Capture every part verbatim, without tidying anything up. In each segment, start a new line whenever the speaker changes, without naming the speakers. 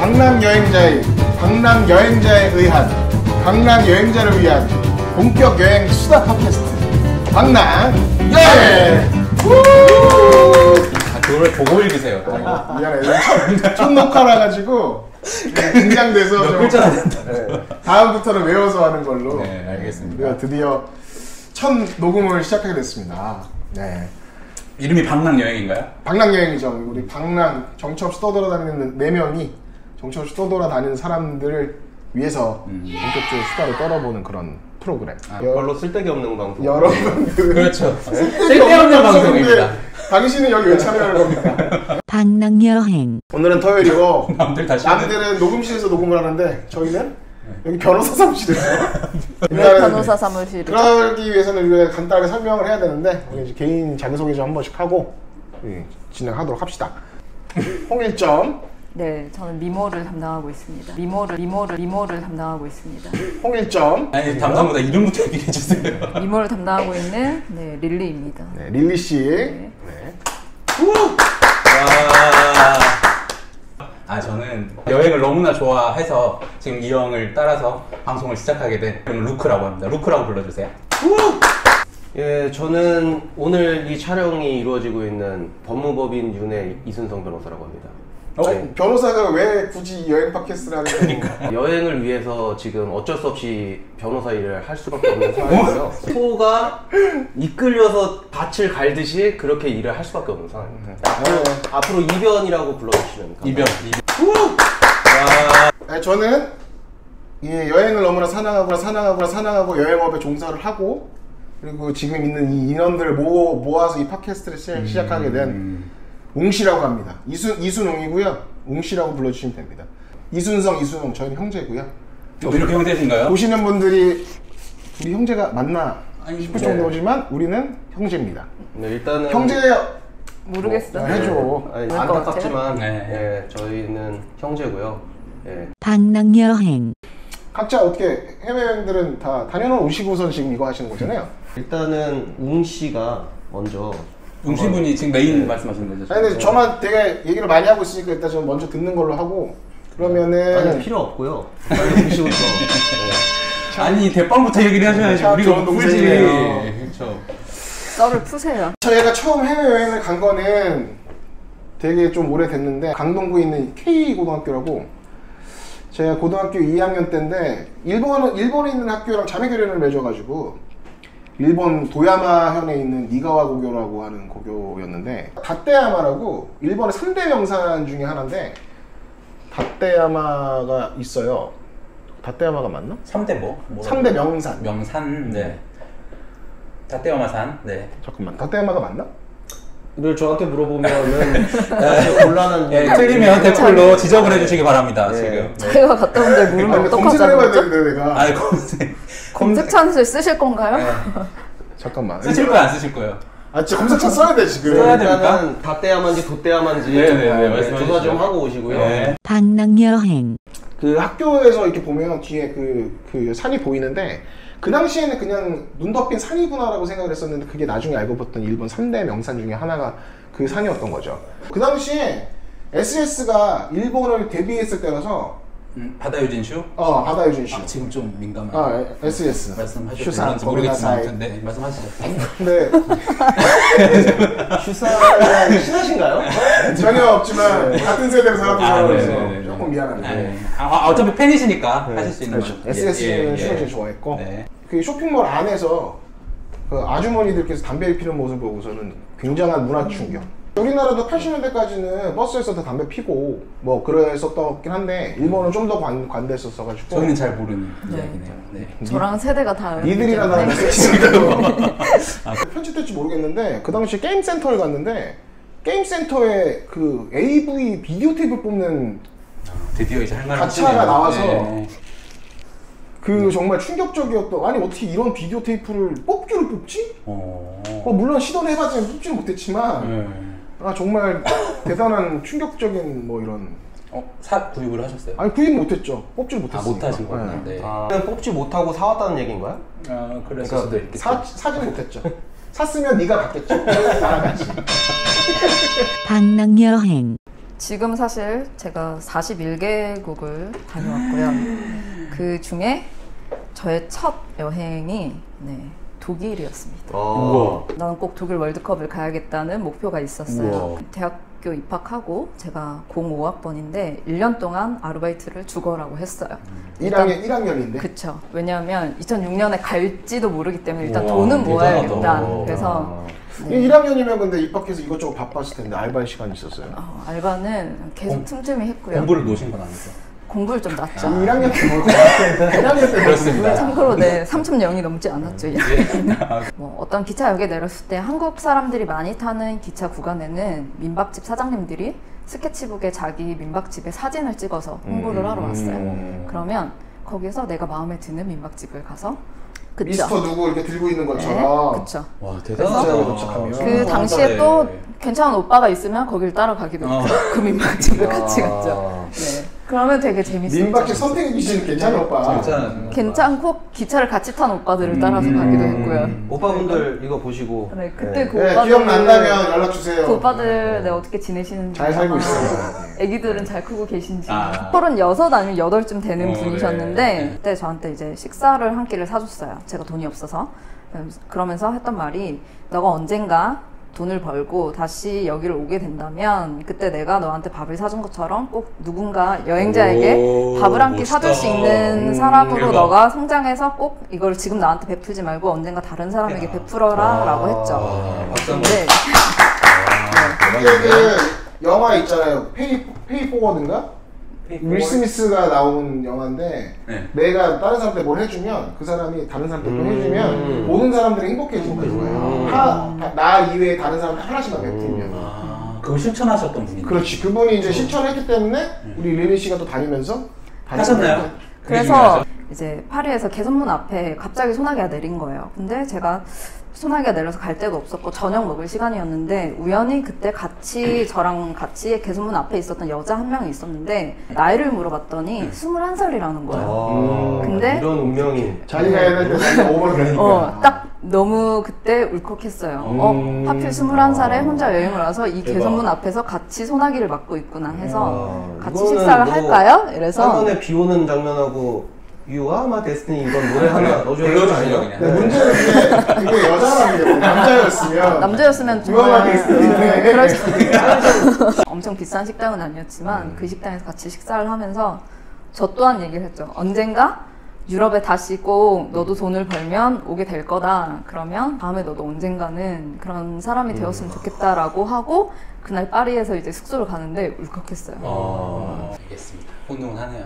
방랑 여행자의 방랑 여행자에 의한 방랑 여행자를 위한 본격 여행 수다 팟캐스트 방랑 여행.
아, 그걸 보고 읽으세요.
어, 미안해. 첫, 첫 녹화라 가지고 긴장돼서
몇 글자나 된다.
네, 다음부터는 외워서 하는 걸로.
네, 알겠습니다.
우리가 드디어 첫 녹음을 시작하게 됐습니다. 네.
이름이 방랑 여행인가요?
방랑 여행이죠. 우리 방랑 정처 없이 떠돌아다니는 네 명이 정처 없이 떠돌아다니는 사람들을 위해서 음. 본격적으로 수다를 떨어보는 그런 프로그램.
아, 별로 쓸데기 없는 방송.
여러분들
그렇죠. 쓸데없는 방송입니다.
당신은 여기 왜 참여할 겁니까?
방랑 여행.
오늘은 토요일이고
남들 다시
남들은 녹음실에서 녹음을 하는데 저희는 여기 변호사 사무실에서.
왜 변호사 사무실을?
그러기 위해서는 우리가 간단하게 설명을 해야 되는데 우리 이제 개인 자기소개 좀 한 번씩 하고 예, 진행하도록 합시다. 홍일점.
네, 저는 미모를 담당하고 있습니다. 미모를 미모를 미모를 담당하고 있습니다.
홍일점.
아니 담당보다 이름부터 얘기해 주세요.
미모를 담당하고 있는 네 릴리입니다.
네, 릴리 씨.
네.
네.
아 저는 여행을 너무나 좋아해서 지금 이 형을 따라서 방송을 시작하게 된 저는 루크라고 합니다. 루크라고 불러주세요.
예, 저는 오늘 이 촬영이 이루어지고 있는 법무법인 윤의 이순성 변호사라고 합니다.
어?
네.
변호사가 왜 굳이 여행 팟캐스트를 하는
그러니까.
여행을 위해서 지금 어쩔 수 없이 변호사 일을 할 수밖에 없는 상황이고요. 소가 이끌려서 밭을 갈듯이 그렇게 일을 할 수밖에 없는 상황입니다. 앞으로, 앞으로 이변이라고 불러주시면
이변.
이변.
네, 저는 예, 여행을 너무나 사랑하고 사랑하고 사랑하고 여행업에 종사를 하고 그리고 지금 있는 이 인원들을 모, 모아서 이 팟캐스트를 시,
음,
시작하게 된
음.
웅씨라고 합니다. 이순, 이순웅이고요. 웅씨라고 불러주시면 됩니다. 이순성, 이순웅 저희는 형제고요.
또 이렇게 형제신가요?
보시는 분들이 우리 형제가 맞나 싶을
네.
정도지만 우리는 형제입니다.
네, 일단은
형제예요.
모르겠어.
뭐, 해줘.
아니, 안타깝지만 네. 예, 저희는 형제고요. 예.
방랑 여행.
각자 어떻게 해외여행들은 다 다녀오시고선 지금 이거 하시는 거잖아요.
일단은 웅 씨가 먼저
웅씨분이 지금 메인 네. 말씀하시는 거죠?
아니 근데 저만 되게 얘기를 많이 하고 있으니까 일단 좀 먼저 듣는 걸로 하고 그러면은
아니 필요 없고요. 빨리 웅 씨부터. 네.
아니 대빵부터 얘기를 하셔야지 우리가 못 풀지. 그렇죠.
썰을 푸세요.
저희가 처음 해외여행을 간 거는 되게 좀 오래됐는데 강동구에 있는 K고등학교라고 제가 고등학교 이 학년 때인데 일본, 일본에 있는 학교랑 자매교련을 맺어가지고 일본 도야마현에 있는 니가와 고교라고 하는 고교였는데 다떼야마라고 일본의 삼 대 명산 중에 하나인데 다떼야마가 있어요. 다떼야마가 맞나?
삼 대 뭐? 뭐라고?
삼 대 명산.
명산. 네. 다떼야마산. 네.
잠깐만. 다떼야마가 맞나?
늘 저한테 물어보면은 사실 곤란한.
예, 틀리면 댓글로 지적을 해주시기 바랍니다.
네.
지금. 네.
자기가 갔다 온 데 물으면
아니, 검색을
어떡하자는
해봐야
거죠?
되는데 내가.
아니 검색.
검색 찬스를 쓰실 건가요?
네.
잠깐만.
쓰실 거야 안 쓰실 거예요?
아 진짜 검색창 써야 돼 지금.
써야 됩니까?
일단은 다떼야만지 도떼야만지
네네네,
네,
말씀해
조사 좀
주시죠.
하고 오시고요.
네.
방랑 여행.
그 학교에서 이렇게 보면 뒤에 그, 그 산이 보이는데 그 당시에는 그냥 눈 덮인 산이구나라고 생각을 했었는데 그게 나중에 알고 봤더니 일본 삼 대 명산 중에 하나가 그 산이었던 거죠. 그 당시에 에스에스가 일본을 데뷔했을 때라서
음, 바다유진슈?
어 바다유진슈.
아, 지금 좀 민감한.
아 에스에스.
말씀하셔도
슈산,
되는지 모르겠지만
고메나사이.
아무튼 네, 말씀하시죠.
근데
슈사는 신하신가요?
전혀 없지만 같은 세대로 살았던
아,
사람으로서
네네네.
조금 미안한데.
네. 아, 아, 어차피 팬이시니까
네.
하실 수 있는
그렇죠.
거죠.
에스에스는
예, 예,
슈가
예.
제일 좋아했고
네.
그 쇼핑몰 안에서 그 아주머니들께서 담배를 피는 모습을 보고서는 굉장한 문화 충격. 우리나라도 팔십 년대까지는 버스에서 다 담배 피고 뭐 그랬었긴 한데 일본은 좀 더 관대했었어가지고
저희는 잘 모르는
네.
이야기네요. 네.
저랑 세대가 다
니들이나 나랑
네.
편집될지 모르겠는데 그 당시 게임 센터를 갔는데 게임 센터에 그 에이브이 비디오 테이프를 뽑는
드디어 이제 할 말을
가차가
하시네요.
나와서
네.
그 정말 충격적이었던. 아니 어떻게 이런 비디오 테이프를 뽑기를 뽑지?
어...
어, 물론 시도를 해봤지만 뽑지는 못했지만
네.
아 정말 대단한 충격적인 뭐 이런.
어? 사 구입을 하셨어요?
아니 구입 못했죠. 뽑지를
아
못했으니까.
못하신 거구나. 네.
아, 그냥 뽑지 못하고 사왔다는 얘기인가요?
아 그랬을
그러니까
수도 있겠죠.
사, 사진 못했죠. 샀으면 네가 받겠죠. 나랑 같이.
방랑 여행.
지금 사실 제가 사십일 개국을 다녀왔고요. 그 중에 저의 첫 여행이 네, 독일이었습니다.
우와.
나는 꼭 독일 월드컵을 가야겠다는 목표가 있었어요.
우와.
대학교 입학하고 제가 공오 학번인데 일 년 동안 아르바이트를 죽어라고 했어요.
일 학년, 일 학년인데?
그쵸. 왜냐하면 이천육 년에 갈지도 모르기 때문에 일단
우와,
돈은 모아야겠다.
대단하다.
그래서
네. 일 학년이면 근데 입학해서 이것저것 바빴을 텐데 알바 시간이 있었어요.
어, 알바는 계속
공-
틈틈이 했고요.
공부를 놓으신 건 아니죠?
공부를 좀 놨죠.
일 학년 때 뭘, 일 학년 때
그렇습니다.
참고로 네, 삼천 영이 넘지 않았죠.
예.
뭐 어떤 기차역에 내렸을 때 한국 사람들이 많이 타는 기차 구간에는 민박집 사장님들이 스케치북에 자기 민박집의 사진을 찍어서 홍보를 하러 왔어요.
음.
그러면 거기서 내가 마음에 드는 민박집을 가서 그쵸?
미스터 누구 이렇게 들고 있는
네,
것처럼.
그쵸.
와
그래서
대단하다.
도착하면.
그 당시에 또 괜찮은 오빠가 있으면 거길 따라가기도
어.
했고 그 민박집을 같이 갔죠.
아.
네. 그러면 되게 재밌었죠.
민박집 선택해 주시는 괜찮은 오빠.
진짜
괜찮고 기차를 같이 탄 오빠들을 따라서 가기도 했고요.
오빠분들 이거 보시고
네, 그때 그
네,
오빠들
기억난다면 연락 주세요.
그 오빠들 네, 어떻게 지내시는지
잘 살고
아마
있어요.
애기들은 잘 크고 계신지
아.
서른여섯 아니면 여덟쯤 되는
어,
분이셨는데
네.
그때 저한테 이제 식사를 한 끼를 사줬어요. 제가 돈이 없어서. 그러면서 했던 말이 너가 언젠가 돈을 벌고 다시 여기를 오게 된다면 그때 내가 너한테 밥을 사준 것처럼 꼭 누군가 여행자에게
오,
밥을 한 끼
멋있다.
사줄 수 있는
음,
사람으로
대박.
너가 성장해서 꼭 이걸 지금 나한테 베풀지 말고 언젠가 다른 사람에게 베풀어라 라고 했죠.
아, 박수 한번.
근데
그때 그 영화 있잖아요. 페이 페이 포워드인가? 윌 스미스가 나온 영화인데
네.
내가 다른 사람한테 뭘 해주면 그 사람이 다른 사람한테 또
음.
해주면 모든 사람들이 행복해지는 거예요.
음.
하, 나 이외에 다른 사람한테 하나씩만 베풀면.
아, 그걸 실천하셨던 분이
그렇지. 그분이 이제 실천했기 때문에 우리 리리 씨가 또 다니면서
하셨나요? 그게
그래서
중요하죠.
이제 파리에서 개선문 앞에 갑자기 소나기가 내린 거예요. 근데 제가 소나기가 내려서 갈 데도 없었고 저녁 먹을 시간이었는데 우연히 그때 같이 저랑 같이 개선문 앞에 있었던 여자 한 명이 있었는데 나이를 물어봤더니 스물한 살이라는 거예요.
아,
근데-
이런 운명이
자기가 해야 될때 자기가 오버를 하니까.
어, 딱 너무 그때 울컥했어요. 어, 하필 스물한 살에 혼자 여행을 와서 이
대박.
개선문 앞에서 같이 소나기를 맞고 있구나 해서
아,
같이
이거는
식사를
뭐
할까요? 이래서
화면에 비 오는 장면하고 You are my destiny 이건 노래 하나 넣어줘야 되는 거
불러주시죠,
아니에요?
그냥.
근데 문제는 그게, 그게 여자라는 게 남자였으면
남자였으면
유명하게
정말
있었는데.
네, 그럴 수- 엄청 비싼 식당은 아니었지만 그 식당에서 같이 식사를 하면서 저 또한 얘기를 했죠. 언젠가 유럽에 다시 꼭 너도 돈을 벌면 오게 될 거다. 그러면 다음에 너도 언젠가는 그런 사람이 되었으면 좋겠다라고 하고 그날 파리에서 이제 숙소를 가는데 울컥했어요.
아, 알겠습니다. 훈훈하네요.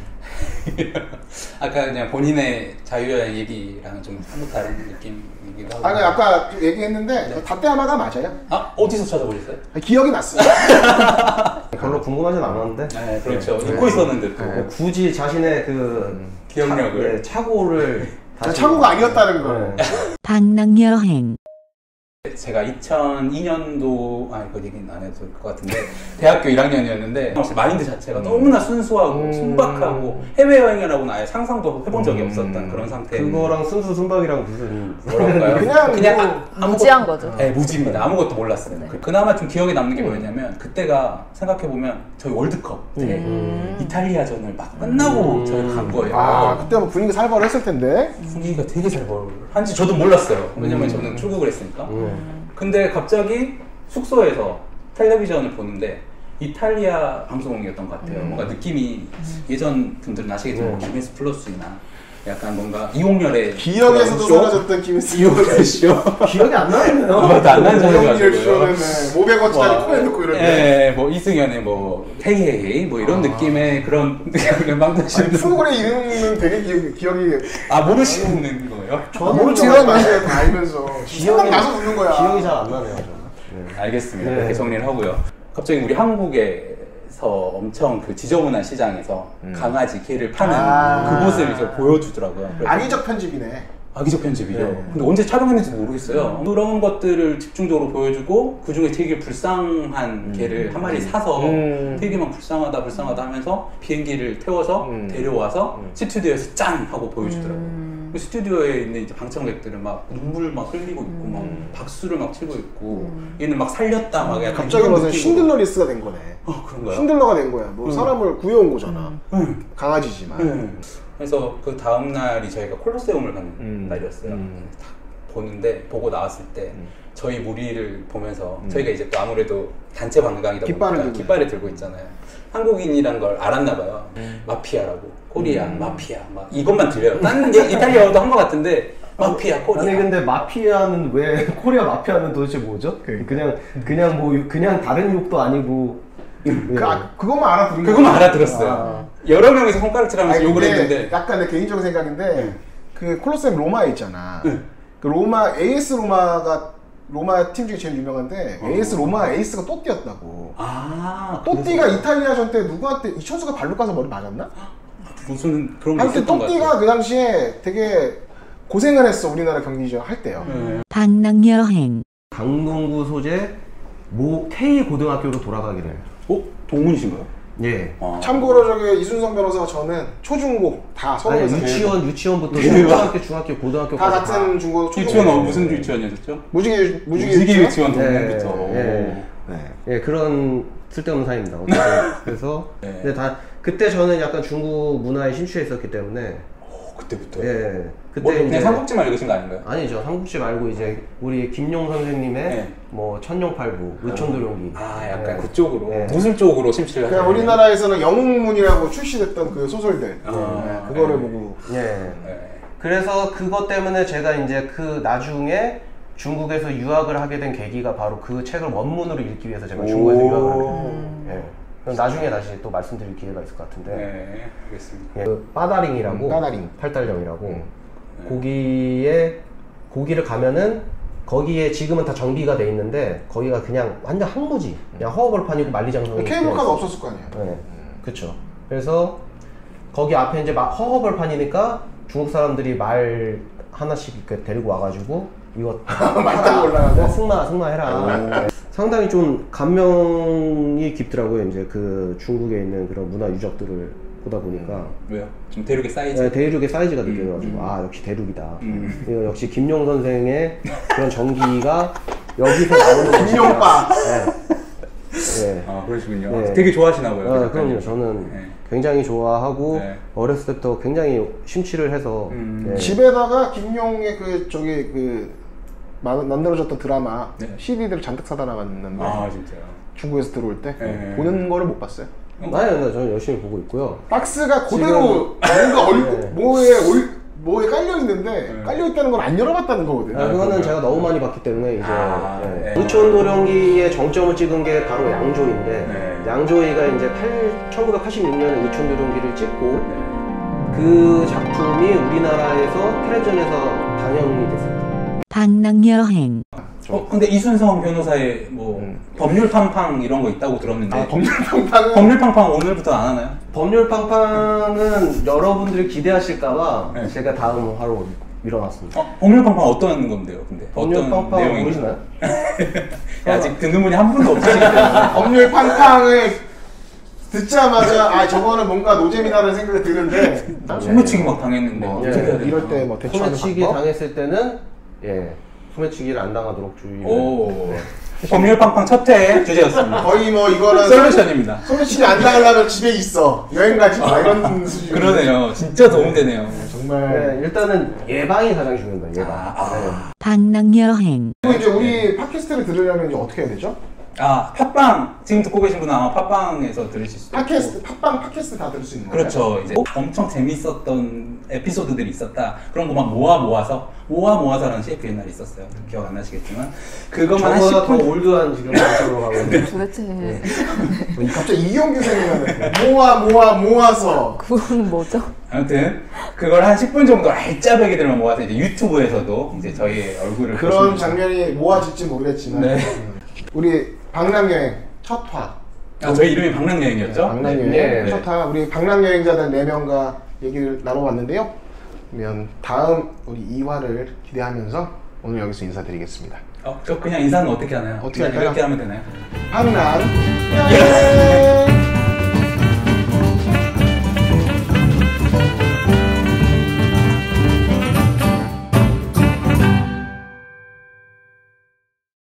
아까 그냥 본인의 자유여행 얘기랑은 좀 사뭇 다른 느낌이기도 하고.
아니 아까 얘기했는데 다떼아마가 맞아요.
아, 어디서 찾아보셨어요?
기억이 났어요.
별로 궁금하진 않았는데
네, 그렇죠. 잊고 있었는데 또.
뭐 굳이 자신의 그
기억력을.
차, 네, 착오를 다시-
착오가 아니었다는 거.
네.
방랑여행.
제가 이천이 년도 아 이거 얘기는 안 해도 될 것 같은데 대학교 일 학년이었는데 마인드 자체가 너무나 순수하고
음.
순박하고 해외여행이라고는 아예 상상도 해본 적이 없었던 그런 상태.
그거랑 순수 순박이랑 무슨
뭐랄까요?
그냥
그냥
뭐
아, 아무것도-
무지한 거죠.
네, 무지입니다. 아무것도 몰랐어요. 그- 그나마 좀 기억에 남는 게 뭐였냐면 그때가 생각해보면 저희 월드컵 때
음.
이탈리아전을 막 끝나고 저희 간 거예요.
아 그때 뭐 분위기 살벌했을 텐데.
분위기가 되게 잘 벌한지 저도 몰랐어요. 왜냐면 저는 출국을 했으니까. 근데 갑자기 숙소에서 텔레비전을 보는데 이탈리아 방송이었던 것 같아요. 뭔가 느낌이 예전 분들은 아시겠지만 뭐 김혜수 플러스나 약간 뭔가 이홍열의
기억에서도
그런 쇼?
사라졌던 김혜수.
이홍열 쇼.
기억이 안 나네요.
아무것도 안 나는
이홍열
소리가지고요.
쇼는 네, 오백 원짜리 코에 넣고 이런데.
예, 뭐 이승연의 뭐 헤이헤이 뭐 이런 느낌의 그런 음악
아니,
나시는
프로그램 이름은 되게 기억, 기억이
아 모르시는 거예요?
모르지만 맞아요. 다 알면서 기억이 나서 웃는 거야.
기억이 잘 안 나네요. 저는. 네.
알겠습니다.
네.
그렇게 정리를 하고요. 갑자기 우리 한국에서 엄청 그 지저분한 시장에서 강아지 개를 파는
아.
그곳을 이제 보여주더라고요. 그래서
악의적 편집이네.
악의적 편집이죠.
네.
근데 언제 촬영했는지 모르겠어요. 그런 것들을 집중적으로 보여주고 그 중에 되게 불쌍한 개를 한 마리 사서
음.
되게 막 불쌍하다 불쌍하다 하면서 비행기를 태워서
음.
데려와서
음.
스튜디오에서 짠 하고 보여주더라고요.
음. 음.
스튜디오에 있는 이제 방청객들은 막 눈물 막 흘리고 있고
음.
막 박수를 막 치고 있고
음.
얘는 막 살렸다 막 약간
갑자기
이런
무슨
느낌으로.
신들러리스가 된 거네.
어 그런가요?
신들러가 된 거야. 뭐
음.
사람을 구해온 거잖아.
응.
강아지지만.
응. 그래서 그 다음 날이 저희가 콜로세움을 가는
음.
날이었어요.
음.
딱 보는데 보고 나왔을 때
음.
저희 무리를 보면서
음.
저희가 이제 또 아무래도 단체 관광이다
깃발을
보니까
들고
깃발을 들고 있잖아요. 한국인이란 걸 알았나 봐요.
음.
마피아라고 코리아 마피아 막 이것만 들려요. 다른 게 이탈리아어도 한 것 같은데 마피아 코리아.
아니 근데 마피아는 왜 코리아 마피아는 도대체 뭐죠?
그러니까.
그냥 그냥 뭐 그냥 다른 욕도 아니고
그, 아, 그것만 알아들은 거야.
그것만 알아들었어요.
아.
여러 명이서 손가락질하면서
아니,
욕을
근데
했는데
약간 내 개인적인 생각인데 그 콜로세움 로마에 있잖아.
네.
그 로마 에이에스 로마가 로마 팀 중에 제일 유명한데
어.
에이에스 로마 에이스가 또띠였다고.
아
또띠가
그래서-
이탈리아전 때 누구한테 이천수가 발로 까서 머리 맞았나?
무슨 그런 게
하여튼
있었던 것
또띠가
같아요.
그 당시에 되게 고생을 했어. 우리나라 경기전 할 때요.
네.
방랑여행
강동구 소재 모 K 고등학교로 돌아가기를.
어? 동문이신가요?
예.
아.
참고로 저기 이순성 변호사가 저는 초중고 다
아니
서울에서
유치원 유치원부터
예.
초등학교 중학교 고등학교
다 같은 중고 초중고.
유치원 어, 무슨 유치원이었죠?
무지개 무지개
무지개
유치원?
유치원 동문부터.
예,
네.
예 그런 쓸데없는 사이입니다. 어쨌든 그래서
네.
근데 다 그때 저는 약간 중국 문화에 심취해 있었기 때문에
오, 그때부터.
예 그때
뭐, 그냥
이제
삼국지만 읽으신 거 아닌가요?
아니죠 삼국지 말고 이제 우리 김용 선생님의
네.
뭐 천룡팔부 의천도룡기
아, 약간
예.
그쪽으로
네.
무술 쪽으로 심취를
그냥
하셨네요.
우리나라에서는 영웅문이라고 출시됐던 그 소설들
아,
네, 그거를
네.
보고
예
네.
그래서 그것 때문에 제가 이제 그 나중에 중국에서 유학을 하게 된 계기가 바로 그 책을 원문으로 읽기 위해서 제가 중국에서
오.
유학을 하게 됐어요. 예. 그럼 나중에 다시 또 말씀드릴 기회가 있을 것 같은데
네, 알겠습니다.
예. 그 빠다링이라고
음, 빠다링.
팔달령이라고
음.
거기에 거기를 가면은 거기에 지금은 다 정비가 돼 있는데 거기가 그냥 완전 항무지 그냥 허허벌판이고 만리장성이
케이블카가 없었을 거 아니야.
네, 그렇죠. 그래서 거기 앞에 이제 막 허허벌판이니까 중국 사람들이 말 하나씩 이렇게 데리고 와가지고 이거
말 타고 올라가고?
승마 승마해라. 네. 상당히 좀 감명이 깊더라고요. 이제 그 중국에 있는 그런 문화 유적들을 보다 보니까
왜요? 좀 대륙의 사이즈.
네, 대륙의 사이즈가 느껴져가지고 아 역시 대륙이다.
음.
이거 역시 김용 선생의 그런 정기가 여기서 나오는 것이다.
김용빠.
네. 네.
아 그러시군요.
네.
되게 좋아하시나 봐요.
아,
그
그럼요.
작가님.
저는
네.
굉장히 좋아하고
네.
어렸을 때부터 굉장히 심취를 해서
음.
네.
집에다가 김용의 그 저기 그 마- 만들어졌던 드라마
네.
씨디들을 잔뜩 사다 놨는데
아 진짜요.
중국에서 들어올 때
네.
보는 거를 못 봤어요.
아니, 아니, 저는 열심히 보고 있고요.
박스가 그대로 뭔가 얼굴
네.
뭐에 얼, 뭐에 깔려 있는데
네.
깔려 있다는 걸 안 열어봤다는 거거든.
아,
아,
그거는
그런가요?
제가 너무 많이 봤기 때문에 이제
아,
네.
네.
의촌도령기의 정점을 찍은 게 바로 양조위인데
네.
양조위가 이제 천구백팔십육 년에 의촌도령기를 찍고
네.
그 작품이 우리나라에서 텔레비전에서 방영이 됐어요.
방랑여행
어 근데 이순성 변호사의 뭐
음.
법률 팡팡 이런 거 있다고 들었는데
아, 법률평판은
법률 팡팡 오늘부터 안 하나요?
법률팡팡은 여러분들이 기대하실까봐
네.
제가 다음 화로 밀어놨습니다.
어, 법률 팡팡 어떤 건데요? 근데 어떤
법률팡팡
내용인가요?
모르시나요?
야, 아직 듣는 분이 한 분도 없으시기 때문에.
법률 팡팡을 듣자마자 아 저거는 뭔가 노잼이다라는 생각이 드는데
소매치기 막 당했는데
뭐
어떻게 해야 되나?
이럴 때 뭐 대처하는
소매치기
방법?
당했을 때는 예 소매치기를 안 당하도록 주의를.
오 법률 팡팡 첫회 주제였습니다.
거의 뭐 이거는
솔루션입니다.
소매치기 안 당하려면 집에 있어 여행 가지 마 이런 수준.
그러네요. 진짜 도움되네요.
정말.
네, 일단은 예방이 가장 중요합니다. 예방.
아, 아.
방랑여행
그리고 이제 우리 팟캐스트를 들으려면 이제 어떻게 해야 되죠?
아 팟빵 지금 듣고 계신 분은 아마 팟빵에서 들으실 수 있고
팟캐스트, 팟빵 팟캐스트 다 들을 수 있는 거예요?
그렇죠. 이제 엄청 재밌었던 에피소드들이 있었다. 그런 거 막 모아 모아서 모아 모아서라는 씨에프 옛날에 있었어요. 기억 안 나시겠지만 그것만 한
저보다
십
더
분
올드한 지금 방식으로 가고 있는.
도대체
갑자기 이용규 생각나네. 모아 모아 모아서.
그건 뭐죠?
아무튼 그걸 한 십 분 정도 알짜배기들만 모아서 이제 유튜브에서도 이제 저희의 얼굴을
그런
보시면-
장면이 모아질지 모르겠지만
네.
음. 우리 방랑여행 첫 화.
아 저희 이름이 방랑여행이었죠?
방랑여행
네, 네.
첫 화. 우리 방랑여행자들 네 명과 얘기를 나눠봤는데요. 그러면 다음 우리 이 화를 기대하면서 오늘 여기서 인사드리겠습니다.
어, 저 그냥 인사는 어떻게 하나요?
어떻게
그냥
할까요?
이렇게 하면 되나요?
방랑여행.